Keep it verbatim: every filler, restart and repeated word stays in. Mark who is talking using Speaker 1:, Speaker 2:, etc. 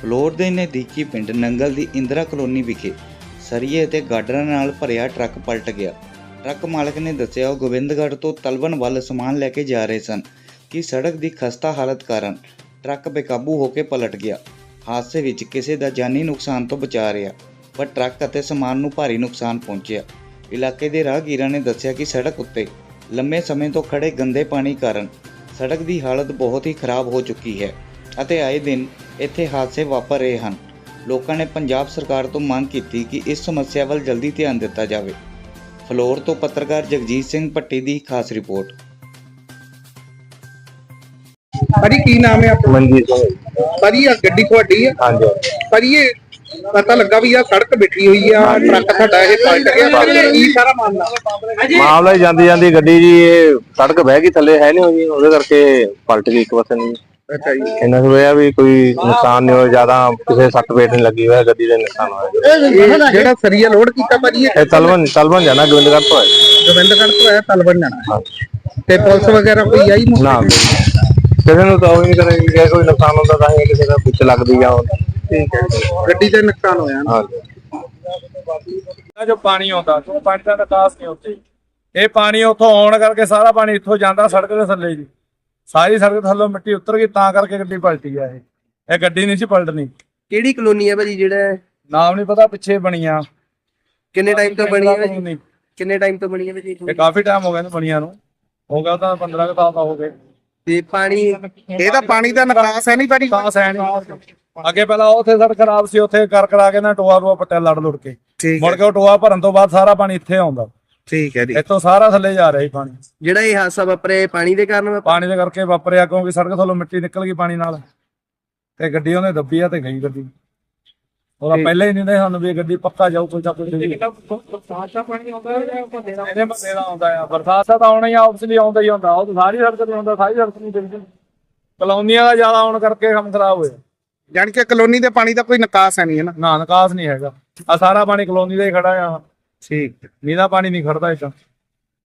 Speaker 1: Floor ਦੇ ਨਜ਼ਦੀਕੀ ਪਿੰਡ ਨੰਗਲ ਦੀ ਇੰਦਰਾ ਕਲੋਨੀ ਵਿਖੇ ਸਰੀਏ ਅਤੇ ਗਾਡਰਾਂ ਨਾਲ ਭਰਿਆ ਟਰੱਕ ਪਲਟ ਗਿਆ। ਟਰੱਕ ਮਾਲਕ ਨੇ ਦੱਸਿਆ ਉਹ ਗੋਬਿੰਦਗੜ੍ਹ ਤੋਂ ਤਲਵਣ ਵੱਲ ਸਮਾਨ ਲੈ ਕੇ ਜਾ ਰਹੇ ਸਨ ਕਿ ਸੜਕ ਦੀ ਖਸਤਾ ਹਾਲਤ ਕਾਰਨ ਟਰੱਕ ਬੇਕਾਬੂ ਹੋ ਕੇ ਪਲਟ ਗਿਆ। ਹਾਦਸੇ ਵਿੱਚ ਕਿਸੇ ਦਾ ਜਾਨੀ ਨੁਕਸਾਨ ਤੋਂ ਬਚਾ ਰਿਹਾ, ਪਰ ਟਰੱਕ ਅਤੇ ਸਮਾਨ ਨੂੰ ਭਾਰੀ ਨੁਕਸਾਨ ਪਹੁੰਚਿਆ। ਇਲਾਕੇ ਦੇ ਰਾਹਗੀਰਾਂ ਨੇ ਦੱਸਿਆ ਕਿ ਸੜਕ ਉੱਤੇ ਲੰਮੇ ਸਮੇਂ ਤੋਂ ਖੜੇ ਗੰਦੇ ਪਾਣੀ ਕਾਰਨ ਸੜਕ ਦੀ ਹਾਲਤ ਬਹੁਤ ਹੀ ਖਰਾਬ ਹੋ ਚੁੱਕੀ ਹੈ ਅਤੇ ਆਏ ਦਿਨ ਇੱਥੇ ਹਾਦਸੇ ਵਾਪਰ ਰਹੇ ਹਨ। ਲੋਕਾਂ ਨੇ ਪੰਜਾਬ ਸਰਕਾਰ ਤੋਂ ਮੰਗ ਕੀਤੀ ਕਿ ਇਸ ਸਮੱਸਿਆ ਵੱਲ ਜਲਦੀ ਧਿਆਨ ਦਿੱਤਾ ਜਾਵੇ। ਫਲੋਰ ਤੋਂ ਪੱਤਰਕਾਰ ਜਗਜੀਤ ਸਿੰਘ ਭੱਟੀ ਦੀ ਖਾਸ ਰਿਪੋਰਟ।
Speaker 2: ਭਾਜੀ ਕੀ ਨਾਮ ਹੈ ਆਪਣਾ?
Speaker 3: ਮਨਜੀਤ ਸਿੰਘ।
Speaker 2: ਭਾਜੀ ਆ ਗੱਡੀ ਤੁਹਾਡੀ ਹੈ?
Speaker 3: ਹਾਂਜੀ
Speaker 2: ਭਾਜੀ ਇਹ ਪਤਾ ਲੱਗਾ ਵੀ ਆ ਸੜਕ ਬਿਠੀ ਹੋਈ ਆ, ਟਰੱਕ ਤੁਹਾਡਾ ਇਹ ਪਲਟ ਗਿਆ, ਕੀ ਸਾਰਾ ਮਾਮਲਾ?
Speaker 3: ਮਾਮਲਾ ਹੀ ਜਾਂਦੀ ਜਾਂਦੀ ਗੱਡੀ ਜੀ ਇਹ ਸੜਕ ਬਹਿ ਗਈ ਥੱਲੇ ਹੈ ਨਹੀਂ ਹੋਈ, ਉਹਦੇ ਕਰਕੇ ਪਲਟ ਗਈ ਇੱਕ ਪਾਸੇ ਨੂੰ।
Speaker 2: ਅੱਛਾ ਜੀ।
Speaker 3: ਇਹਨਾਂ ਨੂੰ ਇਹ ਆ ਵੀ ਕੋਈ ਨੁਕਸਾਨ ਨਹੀਂ ਹੋਇਆ, ਜ਼ਿਆਦਾ ਕਿਸੇ ਸੱਟ ਪੇਟ ਨਹੀਂ ਲੱਗੀ ਹੋਇਆ, ਗੱਡੀ ਦੇ ਨੁਕਸਾਨ ਹੋਇਆ।
Speaker 2: ਜਿਹੜਾ ਸਰੀਆ ਲੋਡ ਕੀਤਾ ਭਾਜੀ
Speaker 3: ਇਹ ਤਲਵਣ ਤਲਵਣ ਜਾਣਾ ਗੋਬਿੰਦਗੜ੍ਹ ਤੋਂ ਹੈ।
Speaker 2: ਗੋਬਿੰਦਗੜ੍ਹ ਤੋਂ ਆਇਆ ਤਲਵਣ ਜਾਣਾ। ਤੇ ਪੁਲਿਸ ਵਗੈਰਾ ਕੋਈ ਆਈ ਨਹੀਂ?
Speaker 3: ਨਾ ਕਿਸੇ ਨੂੰ ਤਾਂ ਉਹ ਨਹੀਂ ਕਰੇਗੀ ਕਿ ਕੋਈ ਨੁਕਸਾਨ ਹੁੰਦਾ ਤਾਂ ਹੀ ਕਿਸੇ ਦਾ ਪਿੱਛੇ ਲੱਗਦੀ ਆ।
Speaker 2: ਠੀਕ ਹੈ, ਗੱਡੀ ਦਾ ਨੁਕਸਾਨ ਹੋਇਆ ਨਾ।
Speaker 4: ਜੋ ਪਾਣੀ ਆਉਂਦਾ ਉਹ ਪਾਣੀ ਦਾ ਨਿਕਾਸ ਨਹੀਂ ਉੱਥੇ, ਇਹ ਪਾਣੀ ਉੱਥੋਂ ਆਉਣ ਕਰਕੇ ਸਾਰਾ ਪਾਣੀ ਇੱਥੋਂ ਜਾਂਦਾ ਸੜਕ ਦੇ ਥੱਲੇ ਜੀ, ਸਾਰੀ ਸੜਕ ਥੱਲੋਂ ਮਿੱਟੀ ਉਤਰ ਗਈ, ਤਾਂ ਕਰਕੇ ਗੱਡੀ ਪਲਟੀ ਆ। ਇਹ ਇਹ ਗੱਡੀ ਨਹੀਂ ਸੀ ਪਲਟਣੀ।
Speaker 2: ਕਿਹੜੀ ਕਲੋਨੀ ਹੈ ਭਾਜੀ? ਜਿਹੜਾ
Speaker 4: ਨਾਮ ਨਹੀਂ ਪਤਾ, ਪਿੱਛੇ ਬਣੀ ਆ।
Speaker 2: ਕਿੰਨੇ ਟਾਈਮ ਤੋਂ ਬਣੀ ਹੈ ਭਾਜੀ? ਕਿੰਨੇ ਟਾਈਮ ਤੋਂ ਬਣੀ ਹੈ ਭਾਜੀ?
Speaker 4: ਇਹ ਕਾਫੀ ਟਾਈਮ ਹੋ ਗਿਆ ਇਹਨੂੰ ਬਣੀਆਂ ਨੂੰ, ਹੋ ਗਿਆ ਤਾਂ ਪੰਦਰਾਂ ਕੁ ਸਾਲ ਦਾ ਹੋ ਗਏ।
Speaker 2: ਤੇ ਪਾਣੀ ਇਹਦਾ ਪਾਣੀ ਦਾ ਨਿਕਾਸ ਹੈ ਨਹੀਂ ਭਾਜੀ?
Speaker 4: ਨਿਕਾਸ ਹੈ ਨਹੀਂ। ਅੱਗੇ ਪਹਿਲਾਂ ਉੱਥੇ ਸੜਕ ਖਰਾਬ ਸੀ, ਉੱਥੇ ਕਰ ਕਰਾ ਕੇ ਨਾ ਟੋਆ ਟੋਆ ਪੱਟਿਆ ਲੜ ਲੁੜ ਕੇ, ਮੁੜ ਕੇ ਉਹ ਟੋਆ ਭਰਨ ਤੋਂ ਬਾਅਦ ਸਾਰਾ ਪਾਣੀ ਇੱਥੇ ਆਉਂਦਾ।
Speaker 2: ਠੀਕ ਹੈ ਜੀ।
Speaker 4: ਇੱਥੋਂ ਸਾਰਾ ਥੱਲੇ ਜਾ ਰਿਹਾ ਸੀ ਪਾਣੀ।
Speaker 2: ਜਿਹੜਾ ਇਹ ਹਾਦਸਾ ਵਾਪਰਿਆ ਪਾਣੀ ਦੇ ਕਾਰਨ?
Speaker 4: ਪਾਣੀ ਦੇ ਕਰਕੇ ਵਾਪਰਿਆ, ਕਿਉਂਕਿ ਸੜਕ ਥੱਲੋਂ ਮਿੱਟੀ ਨਿਕਲ ਗਈ ਪਾਣੀ ਨਾਲ, ਤੇ ਗੱਡੀ ਉਹਨੇ ਦੱਬੀ ਆ ਤੇ ਗਈ ਗੱਡੀ। ਉਹਦਾ ਪਹਿਲਾਂ ਹੀ ਨਹੀਂ ਨੇ ਸਾਨੂੰ ਵੀ ਗੱਡੀ ਪੱਕਾ ਜਾਊ ਕੋਈ ਨਾ ਕੋਈ। ਬਰਸਾਤ ਦਾ ਪਾਣੀ ਆਉਂਦਾ ਇਹਦੇ ਮੱਲੇ ਦਾ ਆਉਂਦਾ ਆ, ਬਰਸਾਤ ਦਾ ਤਾਂ ਆਉਣਾ ਹੀ ਆਬਸਲੀ ਆਉਂਦਾ ਹੀ ਹੁੰਦਾ। ਉਹ ਸਾਰੀ ਸੜਕ ਤੇ ਆਉਂਦਾ, ਸਾਰੀ ਸੜਕ ਨਹੀਂ ਦਿਖਦੀ। ਕਲੋਨੀਆਂ ਦਾ ਜ਼ਿਆਦਾ ਆਉਣ ਕਰਕੇ ਕੰਮ ਖਰਾਬ ਹੋਇਆ।
Speaker 2: ਜਾਣ ਕੇ ਕਲੋਨੀ ਦੇ ਪਾਣੀ ਦਾ ਕੋਈ ਨਿਕਾਸ ਹੈ ਨਹੀਂ ਹੈ ਨਾ?
Speaker 4: ਨਾ ਨਿਕਾਸ ਨਹੀਂ ਹੈਗਾ, ਆ ਸਾਰਾ ਪਾਣੀ ਕਲੋਨੀ ਦਾ ਹੀ ਖੜਾ ਆ।
Speaker 2: ਠੀਕ,
Speaker 4: ਨੀਂਦਾ ਪਾਣੀ ਨਹੀਂ ਖੜਦਾ ਇੱਦਾਂ।